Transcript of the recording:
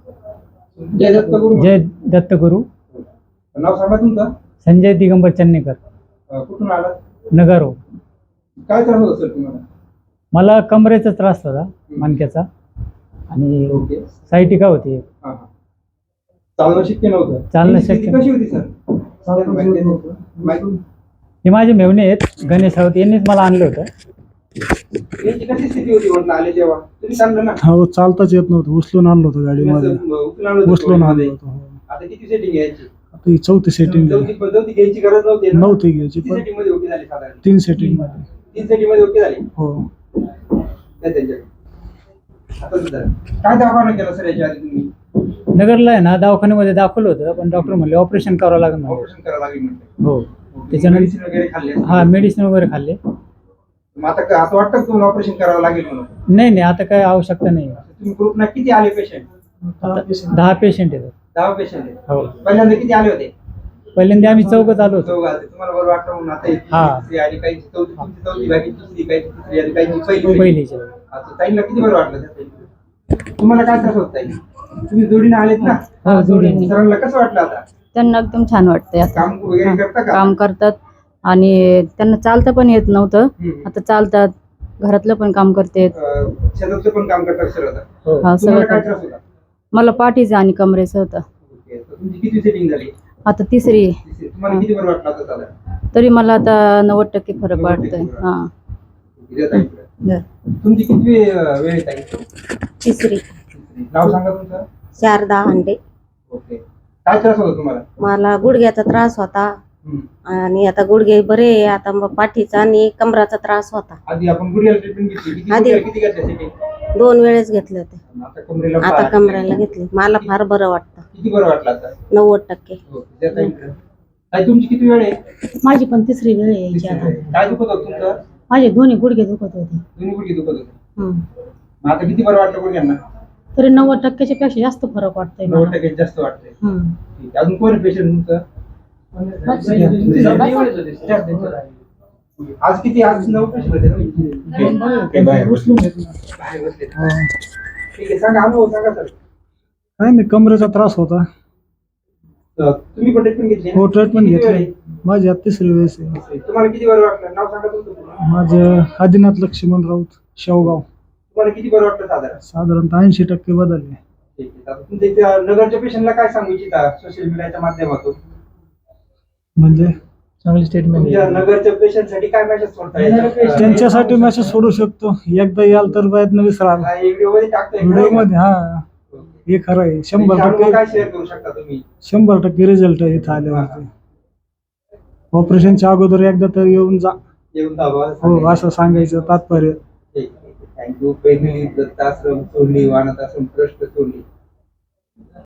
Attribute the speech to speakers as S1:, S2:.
S1: जय दत्तगुरु.
S2: जय दत्तगुरु.
S1: नाव सांगा तुमचं.
S2: संजय दिगंबर चन्नेकर.
S1: कुठून आला.
S2: नगारो.
S1: काय त्रास होत सर तुम्हाला.
S2: मला कमरेचा त्रास होता, मणक्याचा, आणि सायटिका होती.
S1: चालणं शक्य नव्हतं.
S2: चालणं शक्य
S1: कशी होती सर.
S2: हे माझे मेवणे आहेत, गणेश राऊत, यांनीच मला आणलं होतं.
S1: कशी स्थिती होती म्हटलं आले जेव्हा तुम्ही सांगलं ना.
S3: हो, चालताच येत नव्हतं, उचलून आणलं होतं गाडीमध्ये. उचलून आणलं होतं.
S1: आता किती सेटिंग घ्यायची.
S3: आता ही 4थी सेटिंग
S1: चौथी घ्यायची गरज नव्हती.
S3: नव्हती घ्यायची, पण
S1: सेटिंग मध्ये ओके झाली साधारण.
S3: 3 सेटिंग मध्ये.
S1: 3 सेटिंग मध्ये ओके झाली.
S3: हो.
S1: आता काय दवाखाना केला सर याच्या आधी तुम्ही.
S2: नगरला आहे ना, दवाखान्यामध्ये दाखवलं होतं, पण डॉक्टर म्हणले ऑपरेशन करावं लागेल.
S1: ऑपरेशन करावं लागेल म्हणते.
S2: हो.
S1: मेडिसिन वगैरे खाल्ले.
S2: हा, मेडिसिन वगैरे खाल्ले.
S1: मग आता असं वाटतं की तुम्हाला ऑपरेशन करावं लागेल म्हणून.
S2: नाही, आता काय आवश्यकता नाही.
S1: तुम्ही ग्रुपना किती आले पेशंट.
S2: 10 पेशंट आहेत.
S1: 10 पेशंट आहेत.
S2: हो.
S1: पहिल्यांदा किती आले होते.
S2: पहिल्यांदा आम्ही चौघच आलो होतो.
S1: तुम्हाला बरं वाटतं म्हणून आता आणि काही चौथी बाकी दुसरी काही तिसरी आणि काही
S2: पहिलीच.
S1: आता ताईंना किती बरं वाटलं. तुम्हाला काय त्रास होत ताई. तुम्ही जोडीने आलेत ना.
S2: हो, जोडीने.
S1: सरांना कसं वाटलं आता.
S4: त्यांना एकदम छान वाटतंय. आता
S1: काम वगैरे करता का.
S4: काम करतात आणि त्यांना चालता पण येत नव्हतं, आता चालतात. घरातलं पण काम करतात.
S1: शेतातलं पण काम करतात सर आता.
S4: हा,
S1: तुम्हाला काय
S4: सगळं.
S1: त्रास होता.
S4: मला पाठीचं आणि कमरेचं होतं.
S1: तुमची किती सेटिंग झाली.
S4: आता तिसरी.
S1: तुम्हाला किती बरं वाटलं आता साधारण.
S4: तरी मला आता 90% फरक वाटतोय. हा.
S1: तुमची किती वेळ आहे ताई.
S5: तिसरी.
S1: नाव सांगा तुमचं.
S5: शारदा अंडे.
S1: ओके. काय त्रास होता तुम्हाला.
S5: मला गुडघ्याचा त्रास होता आणि आता गुडघे बरे आहे. आता मग पाठीचा आणि कमराचा त्रास होता.
S1: आधी आपण गुडघ्याला ट्रीटमेंट घेतली.
S5: आधी
S1: किती घेतल्या सेटिंग.
S5: 2 वेळेस घेतले होते.
S1: आता कमरेला.
S5: आता कमरेला घेतले. मला फार बरं वाटतं.
S1: किती बरं वाटलं आता.
S5: 90%.
S1: ताई तुमची किती वेळ आहे.
S6: माझी पण तिसरी वेळ यायची आता.
S1: काय दुखत होतं तुमचं.
S6: माझे दोन्ही गुडघे दुखत होते.
S1: दोन्ही गुडघे दुखत होते. मग आता किती बरं वाटलं गुडघ्यांना.
S6: तरी 90%च्या पेक्षा जास्त फरक वाटतोय मला.
S1: 90% जास्त वाटतंय.
S6: हम्म.
S1: ठीक आहे. अजून कोण पेशंट तुमचं. आज किती. आज 9 पेशंट होते ना.
S3: बाहेर उचलून घेतलं.
S1: बाहेर बसले. ठीक आहे. सांगा अनुभव सांगा सर.
S3: काय नाही, कमरेचा त्रास होता.
S1: तुम्ही पण ट्रीटमेंट घेतली.
S3: हो, ट्रीटमेंट घेतली. माझी आता 3री वेळेस आहे.
S1: तुम्हाला किती बरं वाटलं. नाव सांगा तुमचं.
S3: माझं आदिनाथ लक्ष्मण राऊत, शेवगाव.
S1: तुम्हाला किती बरं वाटलं साधारण.
S3: साधारणतः 80% बदलले.
S1: ठीक आहे. आता तुमच्या इथे नगरच्या पेशंटला काय सांगू इच्छिता सोशल मीडियाच्या माध्यमातून.
S3: म्हणजे
S2: चांगली स्टेटमेंट.
S1: तुमच्या नगरच्या पेशंट साठी काय मेसेज सोडता.
S3: त्यांच्यासाठी मेसेज सोडू शकतो. एकदा याल तर प्रयत्न विसराल.
S1: व्हिडिओ मध्ये टाकतोय.
S3: व्हिडिओ मध्ये. हा, हे खरं आहे. 100%
S1: काय शेअर करू शकता तुम्ही.
S3: 100% रिझल्ट आहे इथं आल्यावरती. ऑपरेशनच्या अगोदर एकदा तर येऊन जा.
S1: येऊन दाबा.
S3: हो, असं सांगायचं तात्पर्य.
S1: थँक्यू. पहिली दत्ताश्रम सोडली, वाणात आश्रम ट्रस्ट सोडली.